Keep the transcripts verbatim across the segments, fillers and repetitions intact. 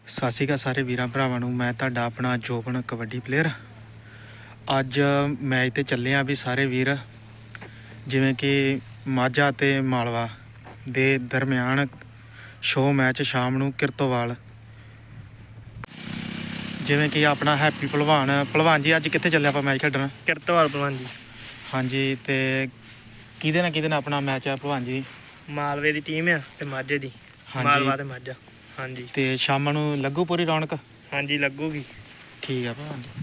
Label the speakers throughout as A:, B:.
A: ਸਤਿ ਸ਼੍ਰੀ ਅਕਾਲ ਸਾਰੇ ਵੀਰਾਂ ਭਰਾਵਾਂ ਨੂੰ। ਮੈਂ ਤੁਹਾਡਾ ਆਪਣਾ ਜੋਬਨ ਕਬੱਡੀ ਪਲੇਅਰ। ਅੱਜ ਮੈਚ ਤੇ ਚੱਲੇ ਆ ਵੀ ਸਾਰੇ ਵੀਰ, ਜਿਵੇਂ ਕਿ ਮਾਝਾ ਤੇ ਮਾਲਵਾ ਦੇ ਦਰਮਿਆਨ ਸ਼ੋਅ ਮੈਚ ਸ਼ਾਮ ਨੂੰ ਕਿਰਤੋਵਾਲ। ਜਿਵੇਂ ਕਿ ਆਪਣਾ ਹੈਪੀ ਭਲਵਾਨ ਭਲਵਾਨ ਜੀ ਅੱਜ ਕਿੱਥੇ ਚੱਲੇ ਆਪਾਂ ਮੈਚ ਖੇਡਣ?
B: ਕਿਰਤੋਵਾਲ ਭਲਵਾਨ ਜੀ।
A: ਹਾਂਜੀ, ਤੇ ਕਿਹਦੇ ਨਾਲ ਕਿਹਦੇ ਨਾਲ ਆਪਣਾ ਮੈਚ ਆ ਭਲਵਾਨ ਜੀ?
B: ਮਾਲਵੇ ਦੀ ਟੀਮ ਆ ਤੇ ਮਾਝੇ ਦੀ। ਮਾਲਵਾ ਤੇ ਮਾਝਾ। ਹਾਂਜੀ,
A: ਤੇ ਸ਼ਾਮ ਨੂੰ ਲੱਗੂ ਪੂਰੀ ਰੌਣਕ?
B: ਹਾਂਜੀ ਲੱਗੂਗੀ।
A: ਠੀਕ ਆ ਭਲਵਾਨ ਜੀ।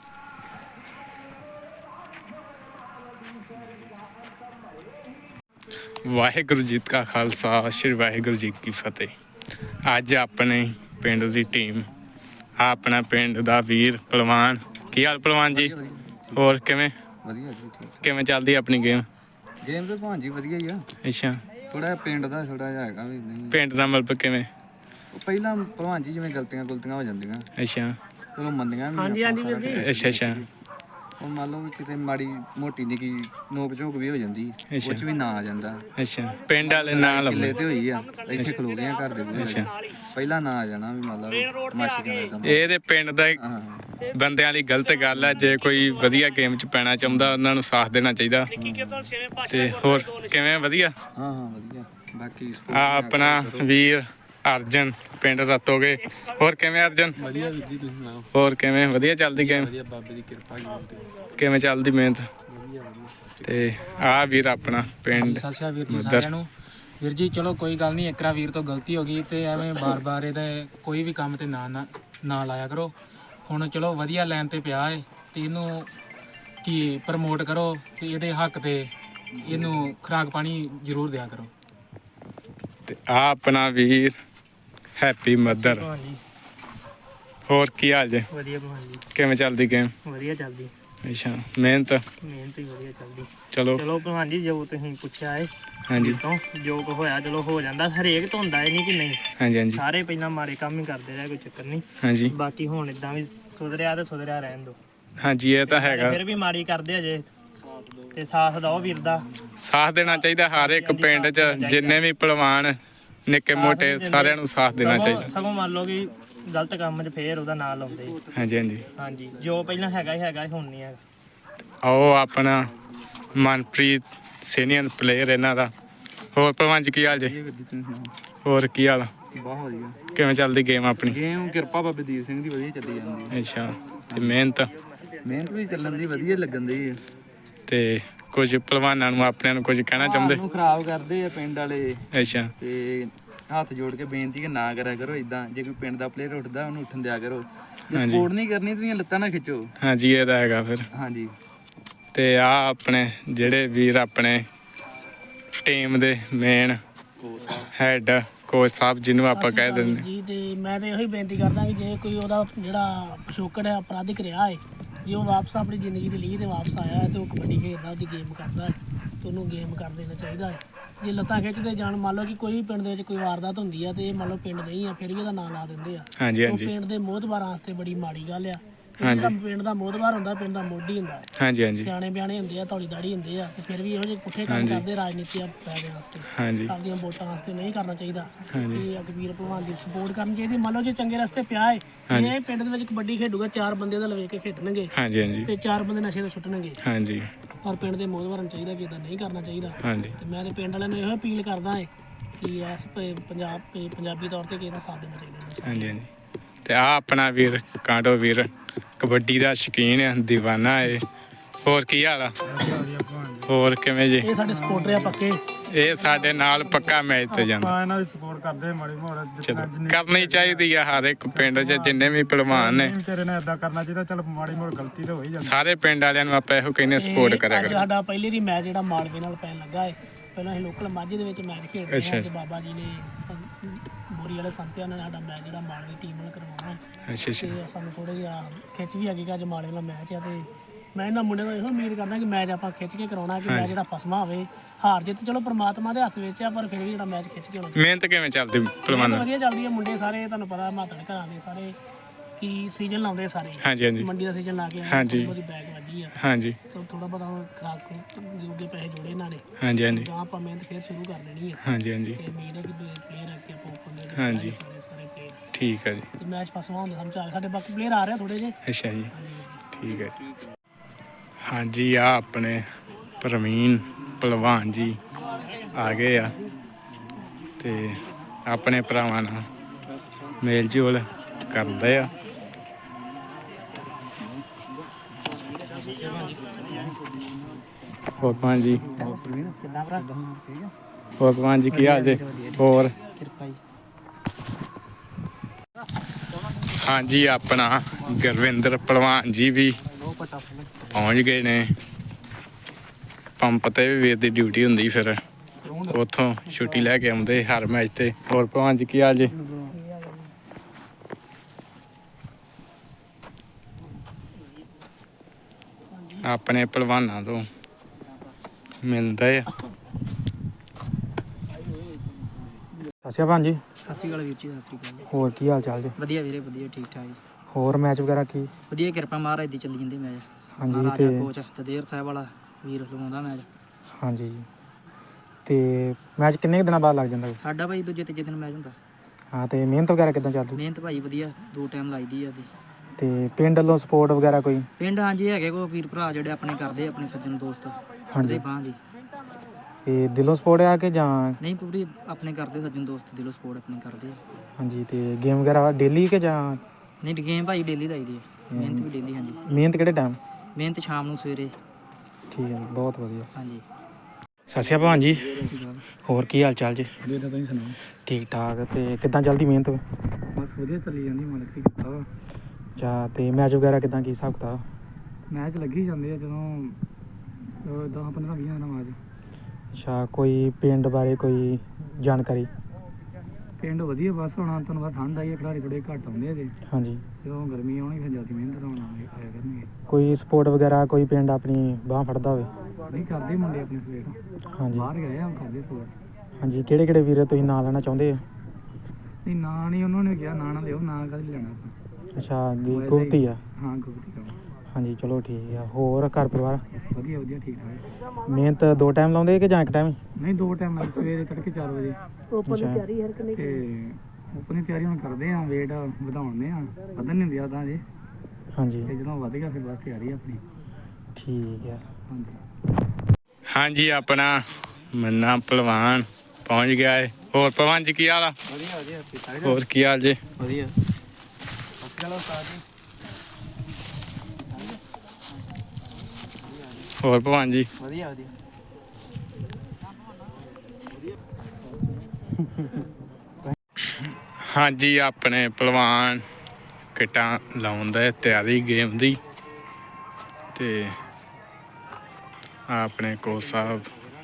C: ਵਾਹਿਗੁਰੂ ਜੀ ਕਾ ਖਾਲਸਾ, ਸ਼੍ਰੀ ਵਾਹਿਗੁਰੂ ਜੀ ਕੀ ਫਤਿਹ। ਅੱਜ ਆਪਣੇ ਪਿੰਡ ਦੀ ਟੀਮ, ਆਪਣਾ ਪਿੰਡ ਦਾ ਵੀਰ ਭਲਵਾਨ। ਕੀ ਹਾਲ ਭਲਵਾਨ ਜੀ? ਹੋਰ ਕਿਵੇਂ?
D: ਵਧੀਆ ਜੀ, ਠੀਕ
C: ਕਿਵੇਂ ਚੱਲਦੀ ਆਪਣੀ ਗੇਮ?
D: ਗੇਮ ਤੇ ਭਾਂਜੀ ਵਧੀਆ ਹੀ ਆ।
C: ਅੱਛਾ,
D: ਥੋੜਾ ਪਿੰਡ ਦਾ ਥੋੜਾ ਜਿਹਾ ਹੈਗਾ ਵੀ ਨਹੀਂ।
C: ਪਿੰਡ ਦਾ ਮਤਲਬ ਕਿਵੇਂ?
D: ਉਹ ਪਹਿਲਾਂ ਭਲਵਾਨ ਜੀ ਜਿਵੇਂ ਗਲਤੀਆਂ ਗੁਲਤੀਆਂ ਹੋ ਜਾਂਦੀਆਂ,
C: ਅੱਛਾ
D: ਚਲੋ ਮੰਨੀਆਂ ਵੀ।
B: ਹਾਂਜੀ ਹਾਂਜੀ ਵੀਰ ਜੀ।
C: ਅੱਛਾ ਅੱਛਾ
D: ਹੁਣ ਮੰਨ ਲਓ ਵੀ ਕਿਤੇ ਮਾੜੀ ਮੋਟੀ ਨਿੱਕੀ ਨੋਕ ਝੋਕ ਵੀ ਹੋ ਜਾਂਦੀ, ਉਹ ਚ ਵੀ ਨਾ ਆ ਜਾਂਦਾ।
C: ਅੱਛਾ, ਪਿੰਡ ਵਾਲੇ ਨਾਲ
D: ਕਿੱਲੇ ਤੇ ਹੋਈ ਆ, ਇੱਥੇ ਖਲੋ ਗਏ ਆ ਘਰ ਦੇ ਬੂਹੇ।
C: ਅੱਛਾ,
D: ਪਹਿਲਾਂ ਨਾ ਆ ਜਾਣਾ ਵੀ ਮੰਨ ਲਓ ਮਾਸ਼ੀ ਕਹਿੰਦਾ।
C: ਇਹ ਤੇ ਪਿੰਡ ਦਾ
D: ਹਾਂ
C: ਬੰਦਿਆਂ ਵਾਲੀ ਗਲਤ ਗੱਲ ਹੈ। ਜੇ ਕੋਈ ਵਧੀਆ ਗੇਮ 'ਚ ਪੈਣਾ ਚਾਹੁੰਦਾ ਉਹਨਾਂ ਨੂੰ ਸਾਥ ਦੇਣਾ ਚਾਹੀਦਾ। ਤੇ ਹੋਰ ਕਿਵੇਂ? ਵਧੀਆ।
D: ਹਾਂ ਹਾਂ ਵਧੀਆ। ਬਾਕੀ
C: ਆ ਆਪਣਾ ਵੀਰ ਅਰਜਨ ਪਿੰਡ ਰਤੋਗੇ। ਹੋਰ ਕਿਵੇਂ ਅਰਜਨ?
D: ਵਧੀਆ ਵੀਰ ਜੀ, ਤੁਸੀਂ ਸੁਣਾਓ?
C: ਹੋਰ ਕਿਵੇਂ? ਵਧੀਆ ਚੱਲਦੀ ਗੇਮ?
D: ਵਧੀਆ, ਬਾਬੇ ਦੀ ਕਿਰਪਾ ਜੀ।
C: ਕਿਵੇਂ ਚੱਲਦੀ ਮਿਹਨਤ?
D: ਵਧੀਆ ਵਧੀਆ।
C: ਤੇ ਆ ਵੀਰ ਆਪਣਾ ਪਿੰਡ
A: ਸਤਿ ਸ਼੍ਰੀ ਅਕਾਲ ਵੀਰ ਜੀ ਸਾਰਿਆਂ ਨੂੰ। ਵੀਰ ਜੀ ਚਲੋ ਕੋਈ ਗੱਲ ਨਹੀਂ, ਇੱਕ ਰਾ ਵੀਰ ਤੋਂ ਗਲਤੀ ਹੋ ਗਈ ਤੇ ਐਵੇਂ ਬਾਰ-ਬਾਰ ਇਹਦੇ ਕੋਈ ਵੀ ਕੰਮ ਤੇ ਨਾ ਨਾ ਨਾ ਲਾਇਆ ਕਰੋ। ਹੁਣ ਚਲੋ ਵਧੀਆ ਲਾਈਨ ਤੇ ਪਿਆ ਏ ਤੇ ਇਹਨੂੰ ਕੀ ਪ੍ਰਮੋਟ ਕਰੋ ਤੇ ਇਹਦੇ ਹੱਕ ਤੇ ਇਹਨੂੰ ਖੁਰਾਕ ਪਾਣੀ ਜ਼ਰੂਰ ਦਿਆ ਕਰੋ।
C: ਤੇ ਆ ਆਪਣਾ ਵੀਰ ਹੈਪੀ ਮਦਰ।
B: ਭਲਵਾਨ ਜੀ
C: ਹੋਰ ਕੀ ਹਾਲ ਜੇ?
B: ਵਧੀਆ ਭਲਵਾਨ ਜੀ।
C: ਕਿਵੇਂ ਚੱਲਦੀ ਗੇਮ?
B: ਵਧੀਆ ਚੱਲਦੀ।
C: ਅੱਛਾ, ਮਿਹਨਤ?
B: ਮਿਹਨਤ ਹੀ ਵਧੀਆ ਚੱਲਦੀ।
C: ਚਲੋ
B: ਚਲੋ ਭਲਵਾਨ ਜੀ, ਜੋ ਤੁਸੀਂ ਪੁੱਛਿਆ ਏ
C: ਹਾਂਜੀ
B: ਤੋਂ ਜੋ ਕੁ ਹੋਇਆ ਚਲੋ ਹੋ ਜਾਂਦਾ। ਹਰੇਕ ਤੋਂ ਹੁੰਦਾ ਇਹ ਨਹੀਂ ਕਿ ਨਹੀਂ।
C: ਹਾਂਜੀ ਹਾਂਜੀ
B: ਸਾਰੇ ਪਹਿਲਾਂ ਮਾੜੇ ਕੰਮ ਹੀ ਕਰਦੇ ਰਹੇ, ਕੋਈ ਚੱਕਰ ਨਹੀਂ।
C: ਹਾਂਜੀ
B: ਬਾਕੀ ਹੁਣ ਇਦਾਂ ਵੀ ਸੁਧਰਿਆ ਤੇ ਸੁਧਰਿਆ ਰਹਿਣ ਦੋ।
C: ਹਾਂਜੀ, ਇਹ ਤਾਂ ਹੈਗਾ।
B: ਫਿਰ ਵੀ ਮਾੜੀ ਕਰਦੇ ਅਜੇ ਤੇ ਸਾਥ ਦਓ ਵੀਰ ਦਾ।
C: ਸਾਥ ਦੇਣਾ ਚਾਹੀਦਾ ਹਰ ਇੱਕ ਪਿੰਡ 'ਚ, ਜਿੰਨੇ ਵੀ ਪਹਿਲਵਾਨ ਨਿੱਕੇ ਮੋਟੇ ਸਾਰਿਆਂ ਨੂੰ ਸਾਥ ਦੇਣਾ
B: ਸਗੋਂ-
C: ਚਾਹੀਦਾ।
B: ਸਗੋਂ ਮੰਨ ਲਓ ਕਿ ਗਲਤ ਕੰਮ 'ਚ ਫੇਰ ਉਹਦਾ ਨਾਂ ਲਾਉਂਦੇ।
C: ਹਾਂਜੀ ਹਾਂਜੀ।
B: ਹਾਂਜੀ, ਜੋ ਪਹਿਲਾਂ ਹੈਗਾ ਹੀ ਹੈਗਾ, ਹੁਣ ਨਹੀਂ ਹੈਗਾ।
C: ਆਓ ਆਪਣਾ ਮਨਪ੍ਰੀਤ ਸੀਨੀਅਰ ਪਲੇਅਰ ਇਹਨਾਂ ਦਾ। ਹੋਰ ਭਲਵਾਨ ਜੀ ਕੀ ਹਾਲ ਜੀ? ਹੋਰ ਕੀ ਹਾਲ?
D: ਬਹੁਤ ਵਧੀਆ
C: ਕਿਵੇਂ ਚੱਲਦੀ ਗੇਮ ਆਪਣੀ?
D: ਗੇਮ। ਕਿਰਪਾ ਬਾਬੇ ਦੀਪ ਸਿੰਘ ਦੀ ਵਧੀਆ ਚੱਲੀ ਜਾਂਦੀ ਹੈ।
C: ਅੱਛਾ, ਤੇ ਮਿਹਨਤ?
D: ਮਿਹਨਤ ਵੀ ਚੱਲਣ ਦੀ ਵਧੀਆ ਲੱਗਣ ਦੀ।
C: ਤੇ ਕੁਝ ਪਹਿਲਵਾਨਾਂ ਨੂੰ ਆਪਣਿਆਂ ਨੂੰ ਕੁਝ ਕਹਿਣਾ ਚਾਹੁੰਦੇ?
D: ਨੂੰ ਖਰਾਬ ਕਰਦੇ ਆ ਪਿੰਡ ਵਾਲੇ
C: ਅੱਛਾ
D: ਤੇ ਹੱਥ ਜੋੜ ਕੇ ਬੇਨਤੀ ਕਿ ਨਾ ਕਰਿਆ ਕਰੋ ਇਦਾਂ। ਜੇ ਕੋਈ ਪਿੰਡ ਦਾ ਪਲੇਅਰ ਉੱਠਦਾ ਉਹਨੂੰ ਉੱਠਣ ਦਿਆ ਕਰੋ। ਜੇ ਸਪੋਰਟ ਨਹੀਂ ਕਰਨੀ ਤੁਸੀਂ ਲੱਤਾਂ ਨਾ ਖਿੱਚੋ।
C: ਹਾਂਜੀ, ਇਹ ਤਾਂ ਹੈਗਾ ਫਿਰ।
D: ਹਾਂਜੀ।
C: ਤੇ ਆ ਆਪਣੇ ਜਿਹੜੇ ਵੀਰ ਆਪਣੇ ਟੀਮ ਦੇ ਮੇਨ ਹੈਡ ਕੋਚ ਸਾਹਿਬ, ਜਿਹਨੂੰ ਆਪਾਂ ਕਹਿ ਦਿੰਦੇ।
E: ਜੀ ਤੇ ਮੈਂ ਤੇ ਇਹੋ ਹੀ ਬੇਨਤੀ ਕਰਦਾ ਕਿ ਜੇ ਕੋਈ ਉਹਦਾ ਜਿਹੜਾ ਪਿਛੋਕੜ ਹੈ, ਅਪਰਾਧਿਕ ਰਿਹਾ ਹੈ, ਜੇ ਉਹ ਵਾਪਸ ਆਪਣੀ ਜ਼ਿੰਦਗੀ ਦੀ ਲੀਹ ਤੇ ਵਾਪਸ ਆਇਆ ਹੈ ਤੇ ਉਹ ਕਬੱਡੀ ਖੇਡਦਾ, ਉਹਦੀ ਗੇਮ ਕਰਦਾ ਹੈ ਤੇ ਉਹਨੂੰ ਗੇਮ ਕਰ ਦੇਣਾ ਚਾਹੀਦਾ ਹੈ। ਜੇ ਲੱਤਾਂ ਖਿੱਚਦੇ ਜਾਣ, ਮੰਨ ਲਓ ਕਿ ਕੋਈ ਵੀ ਪਿੰਡ ਦੇ ਵਿੱਚ ਕੋਈ ਵਾਰਦਾਤ ਹੁੰਦੀ ਆ ਤੇ ਇਹ ਮੰਨ ਲਓ ਪਿੰਡ ਨਹੀਂ ਆ, ਫਿਰ ਵੀ ਉਹਦਾ ਨਾਂ ਲਾ ਦਿੰਦੇ ਆ।
C: ਹਾਂਜੀ
E: ਉਹ
C: ਹਾਂਜੀ
E: ਪਿੰਡ ਦੇ ਮੋਹਤਬਾਰਾਂ ਵਾਸਤੇ ਬੜੀ ਮਾੜੀ ਗੱਲ ਆ। ਜਿਹੜਾ ਪਿੰਡ ਦਾ ਮੋਹਤਬਾਰ ਹੁੰਦਾ, ਪਿੰਡ ਦਾ ਮੋਢੀ ਹੁੰਦਾ ਹੈ।
C: ਹਾਂਜੀ ਹਾਂਜੀ
E: ਸਿਆਣੇ ਬਿਆਣੇ ਹੁੰਦੇ ਆ, ਧੌਲੀ ਦਾੜੀ ਹੁੰਦੇ ਆ, ਤੇ ਫਿਰ ਵੀ ਇਹੋ ਜਿਹੇ ਪੁੱਠੇ ਕੰਮ ਕਰਦੇ ਰਾਜਨੀਤੀ ਪੈਦੇ ਵਾਸਤੇ,
C: ਹਾਂਜੀ
E: ਆਪਦੀਆਂ ਵੋਟਾਂ ਵਾਸਤੇ ਨਹੀਂ ਕਰਨਾ ਚਾਹੀਦਾ।
C: ਹਾਂਜੀ।
E: ਤੇ ਅਕਬੀਰ ਭਲਵਾਨ ਦੀ ਸਪੋਰਟ ਕਰਨੀ ਚਾਹੀਦੀ। ਮੰਨ ਲਓ ਜੇ ਚੰਗੇ ਰਸਤੇ ਪਿਆ ਹੈ, ਇਹ ਪਿੰਡ ਦੇ ਵਿੱਚ ਕਬੱਡੀ ਖੇਡੂਗਾ, ਚਾਰ ਬੰਦੇ ਦਾ ਲਵੇ ਕੇ ਖੇਡਣਗੇ
C: ਹਾਂਜੀ ਹਾਂਜੀ
E: ਤੇ ਚਾਰ ਬੰਦੇ ਨਸ਼ੇ ਤੋਂ ਛੁੱਟਣਗੇ।
C: ਹਾਂਜੀ
E: ਪਰ ਪਿੰਡ ਦੇ ਮੋਹਤਬਾਰਾਂ ਨੂੰ ਚਾਹੀਦਾ ਕਿ ਇਦਾਂ ਨਹੀਂ ਕਰਨਾ ਚਾਹੀਦਾ।
C: ਹਾਂਜੀ
E: ਤੇ ਮੈਂ ਤੇ ਪਿੰਡ ਵਾਲਿਆਂ ਨੂੰ ਇਹੋ ਅਪੀਲ ਕਰਦਾ ਹੈ ਕਿ ਇਸ ਪ- ਪੰਜਾਬ ਪ- ਪੰਜਾਬੀ ਤੌਰ ਤੇ ਕਿਸੇ ਦਾ ਸਾਥ ਦੇਣਾ ਚਾਹੀਦਾ।
C: ਹਾਂਜੀ ਹਾਂਜੀ। ਤੇ ਆ ਆਪਣਾ ਵੀਰ ਕਾਂਡੋ ਵੀਰ ਕਬੱਡੀ ਦਾ ਸ਼ੌਕੀਨ ਹੈ, دیਵਾਨਾ ਹੈ। ਹੋਰ ਕੀ ਹਾਲ ਆ? ਹੋਰ ਕਿਵੇਂ ਜੀ?
E: ਇਹ ਸਾਡੇ ਸਪੋਰਟਰ ਆ ਪੱਕੇ।
C: ਇਹ ਸਾਡੇ ਨਾਲ ਪੱਕਾ ਮੈਚ ਤੇ ਜਾਂਦਾ।
A: ਇਹਨਾਂ ਦੀ ਸਪੋਰਟ ਕਰਦੇ ਮਾੜੀ ਮੋੜ
C: ਚਲੋ ਕਰਨੀ ਚਾਹੀਦੀ ਆ ਹਰ ਇੱਕ ਪਿੰਡ 'ਚ, ਜਿੰਨੇ ਵੀ ਪਹਿਲਵਾਨ ਨੇ।
A: ਵਿਚਾਰੇ ਨੇ ਇਦਾਂ ਕਰਨਾ ਚਾਹੀਦਾ। ਚਲ ਮਾੜੀ ਮੋੜ ਗਲਤੀ ਤਾਂ ਹੋ ਹੀ ਜਾਂਦੀ।
C: ਸਾਰੇ ਪਿੰਡ ਵਾਲਿਆਂ ਨੂੰ ਆਪਾਂ ਇਹੋ ਕਹਿੰਦੇ ਸਪੋਰਟ ਕਰਿਆ
E: ਅੱਜ
C: ਕਰੋ।
E: ਸਾਡਾ ਪਹਿਲੇ ਦੀ ਮੈਚ ਜਿਹੜਾ ਮਾਲਵੇ ਨਾਲ ਪੈਣ ਲੱਗਾ ਹੈ। ਪਹਿਲਾਂ ਅਸੀਂ ਲੋਕਲ ਮਾਝੇ ਦੇ ਵਿੱਚ ਮੈਚ ਖੇਡਦੇ
C: ਅੱਛਾ।
E: ਹਾਂ ਤੇ ਬਾਬਾ ਜੀ ਨੇ ਸੰ- ਬੋਰੀ ਵਾਲੇ ਸੰਤਿਆਂ ਨੇ ਸਾਡਾ ਮੈਚ ਜਿਹੜਾ ਮਾਲਵੇ ਟੀਮ ਨਾਲ ਕਰਵਾਉਣਾ ਹੈ।
C: ਅੱਛਾ ਅੱਛਾ
E: ਤੇ ਸਾਨੂੰ ਥੋੜਾ ਜਿਹਾ ਖਿੱਚ ਵੀ ਹੈਗੀ ਕਿ ਅੱਜ ਮਾਲਵੇ ਨਾਲ ਮੈਚ ਆ ਤੇ ਮੈਂ ਇਹਨਾਂ ਮੁੰਡਿਆਂ ਤੋਂ ਇਹੋ ਉਮੀਦ ਕਰਦਾ ਕਿ ਮੈਚ ਆਪਾਂ ਖਿੱਚ ਕੇ ਕਰਾਉਣਾ, ਕਿ ਮੈਚ ਜਿਹੜਾ ਫਸਮਾ ਹੋਵੇ। ਹਾਰ ਜਿੱਤ ਚਲੋ ਪ੍ਰਮਾਤਮਾ ਦੇ ਹੱਥ ਵਿੱਚ ਆ, ਪਰ ਫਿਰ ਵੀ ਜਿਹੜਾ ਮੈਚ ਖਿੱਚ ਕੇ ਹੋਣਾ ਚਾਹੀਦਾ।
C: ਮਿਹਨਤ ਕਿਵੇਂ ਚੱਲਦੀ ਪਹਿਲਵਾਨਾਂ?
E: ਵਧੀਆ ਚੱਲਦੀ ਹੈ। ਮੁੰਡੇ ਸਾਰੇ ਤੁਹਾਨੂੰ ਪਤਾ ਮਾਤੜ ਘਰਾਂ ਦੇ ਸਾਰੇ ਕਿ ਸੀਜ਼ਨ ਲਾਉਂਦੇ ਸਾਰੇ
C: ਹਾਂਜੀ ਹਾਂਜੀ
E: ਮੰਡੀ ਦਾ ਸੀਜ਼ਨ ਲਾ ਕੇ ਆਏ
C: ਹਾਂਜੀ।
E: ਉਹਦੀ ਬੈਗ ਵੱਜੀ ਆ
C: ਹਾਂਜੀ
E: ਤਾਂ ਥੋੜਾ ਬਹੁਤਾ ਹੁਣ ਖਰਾਕ ਜੋਗੇ ਪੈਸੇ ਜੋੜੇ ਇਹਨਾਂ ਨੇ
C: ਹਾਂਜੀ ਹਾਂਜੀ
E: ਤਾਂ ਆਪਾਂ ਮਿਹਨਤ ਫਿਰ ਸ਼ੁਰੂ ਕਰ ਦੇਣੀ ਹੈ
C: ਹਾਂਜੀ ਹਾਂਜੀ
E: ਤੇ ਉਮੀਦ ਹੈ ਕਿ ਪਲੇਅਰ ਆ ਕੇ ਆਪਾਂ ਓਪਨ ਦੇ
C: ਹਾਂਜੀ।
E: ਸਾਰੇ ਸਾਰੇ ਪਲੇਅਰ
C: ਠੀਕ ਹੈ ਜੀ।
E: ਤੇ ਮੈਚ ਫਸਵਾ ਹੁੰਦਾ ਸਾਨੂੰ ਚਾਹ ਸਾਡੇ ਬਾਕੀ ਪਲੇਅਰ ਆ ਰਹੇ ਥੋੜੇ ਜਿਹੇ
C: ਅੱਛਾ ਜੀ
E: ਹਾਂਜੀ
C: ਠੀਕ ਹੈ। ਹਾਂਜੀ ਆ ਆਪਣੇ ਪ੍ਰਵੀਨ ਪਹਿਲਵਾਨ ਜੀ ਆ ਗਏ ਆ ਤੇ ਆਪਣੇ ਭਰਾਵਾਂ ਨਾਲ ਮੇਲ ਜੋਲ ਕਰਦੇ ਆ। ਹੋਰ ਭਲਵਾਨ ਜੀ
E: ਕਿੱਦਾਂ ਭਰਾ
C: ਹੋਰ ਭਲਵਾਨ ਜੀ ਕੀ ਹਾਲ ਜੇ? ਹੋਰ
E: ਕਿਰਪਾ ਜੀ
C: ਹਾਂਜੀ ਆਪਣਾ ਗੁਰਵਿੰਦਰ ਪਹਿਲਵਾਨ ਜੀ ਵੀ ਪਹੁੰਚ ਗਏ ਨੇ। ਪੰਪ ਤੇ ਵੀ ਵੀਰ ਦੀ ਡਿਊਟੀ ਹੁੰਦੀ ਫਿਰ ਉੱਥੋਂ ਛੁੱਟੀ ਲੈ ਕੇ ਆਉਂਦੇ ਹਰ ਮੈਚ ਤੇ। ਹੋਰ ਭਲਵਾਨ ਜੀ ਕੀ ਹਾਲ ਜੀ? ਆਪਣੇ ਪਹਿਲਵਾਨਾਂ ਤੋਂ ਮਿਲਦਾ ਆ।
A: ਸਤਿ ਸ਼੍ਰੀ ਅਕਾਲ ਜੀ।
F: ਸਤਿ ਸ਼੍ਰੀ ਅਕਾਲ ਵੀਰ ਜੀ, ਸਤਿ ਸ਼੍ਰੀ ਅਕਾਲ।
A: ਹੋਰ ਕੀ ਹਾਲ ਚਾਲ ਜੀ?
F: ਵਧੀਆ ਵੀਰੇ, ਵਧੀਆ, ਠੀਕ ਠਾਕ ਜੀ।
A: ਹੋਰ ਮੈਚ ਵਗੈਰਾ ਕੀ?
F: ਵਧੀਆ ਕਿਰਪਾ ਮਹਾਰਾਜ ਦੀ ਚੱਲੀ ਜਾਂਦੇ ਮੈਚ।
A: ਹਾਂਜੀ
F: ਮਹਾਰਾਜਾ
A: ਤੇ
F: ਕੋਚ ਤਦੇਰ ਸਾਹਿਬ ਵਾਲਾ ਵੀਰ ਲਵਾਉਂਦਾ ਮੈਚ।
A: ਹਾਂਜੀ ਤੇ ਮੈਚ ਕਿੰਨੇ ਕੁ ਦਿਨਾਂ ਬਾਅਦ ਲੱਗ ਜਾਂਦਾ?
F: ਸਾਡਾ ਭਾਈ ਦੂਜੇ ਤੀਜੇ ਦਿਨ ਮੈਚ ਹੁੰਦਾ।
A: ਹਾਂ ਤੇ ਮਿਹਨਤ ਵਗੈਰਾ ਕਿੱਦਾਂ ਚੱਲਦੀ?
F: ਮਿਹਨਤ ਭਾਈ ਵਧੀਆ, ਦੋ ਟਾਈਮ ਲਾਈਦੀ ਆ ਉਹਦੀ।
A: ਤੇ ਪਿੰਡ ਵੱਲੋਂ ਸਪੋਰਟ ਵਗੈਰਾ ਕੋਈ?
F: ਪਿੰਡ ਹਾਂਜੀ ਹੈਗੇ ਕੋ ਵੀਰ ਭਰਾ ਜਿਹੜੇ ਆਪਣੇ ਕਰਦੇ ਆਪਣੇ ਸੱਜਣ ਦੋਸਤ
A: ਹਾਂਜੀ।
F: ਬਾਂਹ ਜੀ।
A: ਤੇ ਦਿਲੋਂ ਸਪੋਰਟ ਆ ਕਿ ਜਾਂ?
F: ਨਹੀਂ ਪੂਰੀ ਆਪਣੇ ਕਰਦੇ ਸੱਜਣ ਦੋਸਤ ਦਿਲੋਂ ਸਪੋਰਟ ਆਪਣੇ ਕਰਦੇ ਆ।
A: ਹਾਂਜੀ ਤੇ ਗੇਮ ਵਗੈਰਾ ਡੇਲੀ ਕਿ ਜਾਂ?
F: ਨਹੀਂ ਗੇਮ ਭਾਈ ਡੇਲੀ ਲਾਈਦੀ ਹੈ, ਮਿਹਨਤ ਵੀ ਡੇਲੀ। ਹਾਂਜੀ
A: ਮਿਹਨਤ ਕਿਹੜੇ ਟਾਈਮ?
F: ਮਿਹਨਤ ਸ਼ਾਮ ਨੂੰ ਸਵੇਰੇ।
A: ਠੀਕ ਹੈ ਜੀ, ਬਹੁਤ ਵਧੀਆ।
F: ਹਾਂਜੀ
A: ਸਤਿ ਸ਼੍ਰੀ ਅਕਾਲ ਜੀ। ਹੋਰ ਕੀ ਹਾਲ ਚਾਲ ਜੀ?
D: ਵਧੀਆ ਤਾਂ ਤੁਸੀਂ ਸੁਣਾਓ।
A: ਠੀਕ ਠਾਕ। ਤੇ ਕਿੱਦਾਂ ਚੱਲਦੀ ਮਿਹਨਤ?
D: ਬਸ ਵਧੀਆ ਚੱਲੀ ਜਾਂਦੀ, ਮਾਲਕ ਦੀ ਕਿਰਪਾ ਵਾ।
A: ਅੱਛਾ ਤੇ ਮੈਚ ਵਗੈਰਾ ਕਿੱਦਾਂ ਕੀ ਹਿਸਾਬ ਕਿਤਾਬ?
D: ਮੈਚ ਲੱਗੀ ਜਾਂਦੇ ਆ ਜਦੋਂ ਦਸ ਪੰਦਰਾਂ ਵੀਹ ਦਿਨਾਂ ਬਾਅਦ।
A: ਅੱਛਾ ਕੋਈ ਪਿੰਡ ਬਾਰੇ ਕੋਈ ਜਾਣਕਾਰੀ?
D: ਪਿੰਡ ਵਧੀਆ, ਬਸ ਹੁਣ ਤੁਹਾਨੂੰ ਪਤਾ ਠੰਡ ਆਈ ਹੈ, ਖਿਡਾਰੀ ਥੋੜ੍ਹੇ ਘੱਟ ਆਉਂਦੇ ਆ ਜੀ।
A: ਹਾਂਜੀ
D: ਜਦੋਂ ਗਰਮੀ ਆਉਣੀ ਫਿਰ ਜ਼ਿਆਦਾ ਮਿਹਨਤ ਕਰਾਉਣ ਆਇਆ ਕਰਨਗੇ।
A: ਕੋਈ ਸਪੋਰਟ ਵਗੈਰਾ ਕੋਈ ਪਿੰਡ ਆਪਣੀ ਬਾਂਹ ਫੜਦਾ ਹੋਵੇ?
D: ਨਹੀਂ ਕਰਦੇ ਮੁੰਡੇ ਆਪਣੇ ਸਵੇਰ
A: ਹਾਂਜੀ
D: ਬਾਹਰ ਗਏ ਆ, ਕਰਦੇ ਸਵੇਰ।
A: ਹਾਂਜੀ ਕਿਹੜੇ ਕਿਹੜੇ ਵੀਰ ਤੁਸੀਂ ਨਾਂ ਲੈਣਾ ਚਾਹੁੰਦੇ ਆ?
D: ਨਹੀਂ ਨਾਂ ਨਹੀਂ, ਉਹਨਾਂ ਨੇ ਕਿਹਾ ਨਾਂ ਨਾ ਲਿਓ, ਨਾਂ ਕਾਹਦੇ ਲੈਣਾ ਆਪਾਂ।
A: ਅੱਛਾ ਗੀ
D: ਵੈਸੇ ਹੀ-
A: ਗੁਪਤੀ ਆ?
D: ਹਾਂ ਗੁਪਤੀ ਕੰਮ।
A: ਹਾਂਜੀ ਚਲੋ ਠੀਕ ਆ। ਹੋਰ ਘਰ ਪਰਿਵਾਰ?
D: ਵਧੀਆ ਵਧੀਆ ਠੀਕ ਠਾਕ।
A: ਮਿਹਨਤ ਦੋ ਟਾਈਮ ਲਾਉਂਦੇ ਕਿ ਜਾਂ ਇੱਕ ਟਾਈਮ?
D: ਨਹੀਂ ਦੋ ਟਾਈਮ ਨਾਲ, ਸਵੇਰੇ ਤੜਕੇ ਚਾਰ ਵਜੇ
E: ਓਪਨ ਦੀ
A: ਅੱਛਾ।
E: ਤਿਆਰੀ ਹਰ ਕਿੰਨੇ
D: ਤੇ ਆਪਣੀ ਤਿਆਰੀ ਹੁਣ ਕਰਦੇ ਆ, ਵੇਟ ਵਧਾਉਣੇ ਆ, ਵਧਣ ਨਹੀਂ ਦਿਆ ਤਾਂ ਜੇ।
A: ਹਾਂਜੀ
D: ਤੇ ਜਦੋਂ ਵਧ ਗਿਆ ਫਿਰ ਬਸ ਤਿਆਰੀ ਆਪਣੀ।
A: ਠੀਕ ਆ।
D: ਹਾਂਜੀ
C: ਹਾਂਜੀ ਆਪਣਾ ਮੰਨਾ ਪਹਿਲਵਾਨ ਪਹੁੰਚ ਗਿਆ ਹੈ। ਹੋਰ ਪਹਿਲਵਾਨ ਜੀ ਕੀ ਹਾਲ ਆ?
A: ਵਧੀਆ ਵਧੀਆ ਠੀਕ ਠਾਕ
C: ਹੋਰ ਕੀ ਹਾਲ ਜੀ?
A: ਵਧੀਆ। ਚਲੋ ਉਸਤਾਦ ਜੀ।
C: ਹੋਰ ਪਹਿਲਵਾਨ ਜੀ?
A: ਵਧੀਆ ਵਧੀਆ।
C: ਹਾਂਜੀ ਆਪਣੇ ਪਹਿਲਵਾਨ ਕਿੱਟਾਂ ਲਾਉਣ ਦਾ ਤਿਆਰੀ ਗੇਮ ਦੀ। ਤੇ ਆਹ ਆਪਣੇ ਕੋਚ ਸਾਹਿਬ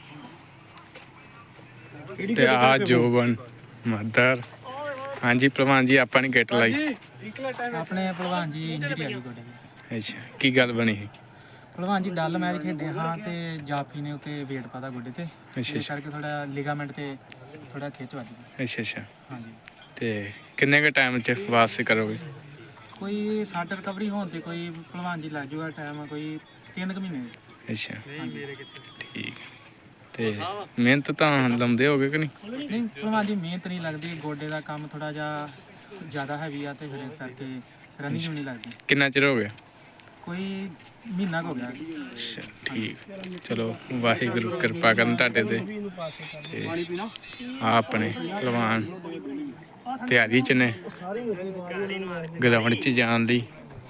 C: ਤੇ ਆ ਜੋਬਨ ਮਦਰ। ਹਾਂਜੀ ਪਹਿਲਵਾਨ ਜੀ ਆਪਾਂ ਨੇ ਕਿੱਟ ਲਾਈ।
A: ਆਪਣੇ ਭਲਵਾਨ ਜੀ ਇੰਜਰੀ ਆ ਗਈ ਗੋਡੇ ਦੀ।
C: ਅੱਛਾ ਕੀ ਗੱਲ ਬਣੀ ਸੀ?
A: ਭਲਵਾਨ ਜੀ ਡੱਲ ਮੈਚ ਖੇਡੇ ਹਾਂ ਤੇ ਜਾਫੀ ਨੇ ਉੱਤੇ ਵੇਟ ਪਾਤਾ ਗੋਡੇ ਤੇ,
C: ਅੱਛਾ
A: ਇਸ ਕਰਕੇ ਥੋੜਾ ਲਿਗਾਮੈਂਟ ਤੇ ਥੋੜਾ ਖਿੱਚ ਵੱਜ ਗਈ।
C: ਅੱਛਾ ਅੱਛਾ
A: ਹਾਂਜੀ
C: ਤੇ ਕਿੰਨੇ ਕੁ ਟਾਈਮ 'ਚ ਵਾਪਸ ਕਰੋਗੇ?
A: ਕੋਈ ਸੱਟ ਰਿਕਵਰੀ ਹੋਣ ਤੇ ਕੋਈ ਭਲਵਾਨ ਜੀ ਲੱਗ ਜੂਗਾ ਟਾਈਮ ਕੋਈ ਤਿੰਨ ਕੁ ਮਹੀਨੇ।
C: ਅੱਛਾ ਠੀਕ। ਤੇ ਮਿਹਨਤ ਤਾਂ ਲਾਉਂਦੇ ਹੋਗੇ ਕਿ ਨਹੀਂ?
A: ਨਹੀਂ ਭਲਵਾਨ ਜੀ ਮਿਹਨਤ ਨਹੀਂ ਲੱਗਦੀ, ਗੋਡੇ ਦਾ ਕੰਮ ਥੋੜਾ ਜਿਹਾ ਜ਼ਿਆਦਾ ਹੈਵੀ ਆ ਤੇ ਫਿਰ ਇਸ ਕਰਕੇ ਰਨਿੰਗ ਵੀ ਨਹੀਂ ਲੱਗਦੀ।
C: ਕਿੰਨਾ ਚਿਰ ਹੋ ਗਿਆ?
A: ਕੋਈ ਮਹੀਨਾ ਕੁ ਹੋ ਗਿਆ।
C: ਅੱਛਾ ਠੀਕ। ਚਲੋ ਵਾਹਿਗੁਰੂ ਕਿਰਪਾ ਕਰਨ ਤੁਹਾਡੇ ਤੇ। ਤੇ ਆਹ ਆਪਣੇ ਪਹਿਲਵਾਨ ਤਿਆਰੀ 'ਚ ਨੇ ਗਰਾਊਂਡ 'ਚ ਜਾਣ ਲਈ।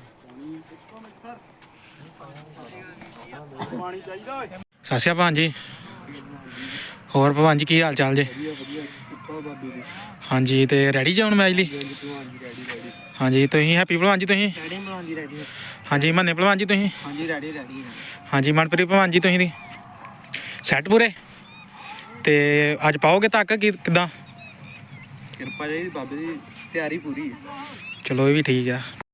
A: ਸਤਿ ਸ਼੍ਰੀ ਅਕਾਲ ਜੀ। ਹੋਰ ਭਲਵਾਨ ਜੀ ਕੀ ਹਾਲ ਚਾਲ ਜੀ? ਹਾਂਜੀ ਤੇ ਰੈਡੀ ਜੀ ਹੁਣ ਮੈਚ ਲਈ? ਹਾਂਜੀ ਤੁਸੀਂ ਹੈਪੀ ਭਲਵਾਨ ਜੀ? ਤੁਸੀਂ
E: ਰੈਡੀ ਭਲਵਾਨ ਜੀ ਰੈਡੀ।
A: ਹਾਂਜੀ ਮੰਨੇ ਭਲਵਾਨ ਜੀ ਤੁਸੀਂ?
E: ਹਾਂਜੀ ਰੈਡੀ ਰੈਡੀ।
A: ਹਾਂਜੀ ਮਨਪ੍ਰੀਤ ਭਲਵਾਨ ਜੀ ਤੁਸੀਂ ਦੀ ਸੈੱਟ ਪੂਰੇ? ਤੇ ਅੱਜ ਪਾਓਗੇ ਤੱਕ ਕਿ ਕਿੱਦਾਂ?
D: ਕਿਰਪਾ ਜੀ ਬਾਬੇ ਦੀ, ਤਿਆਰੀ ਪੂਰੀ।
A: ਚਲੋ ਇਹ ਵੀ ਠੀਕ ਆ।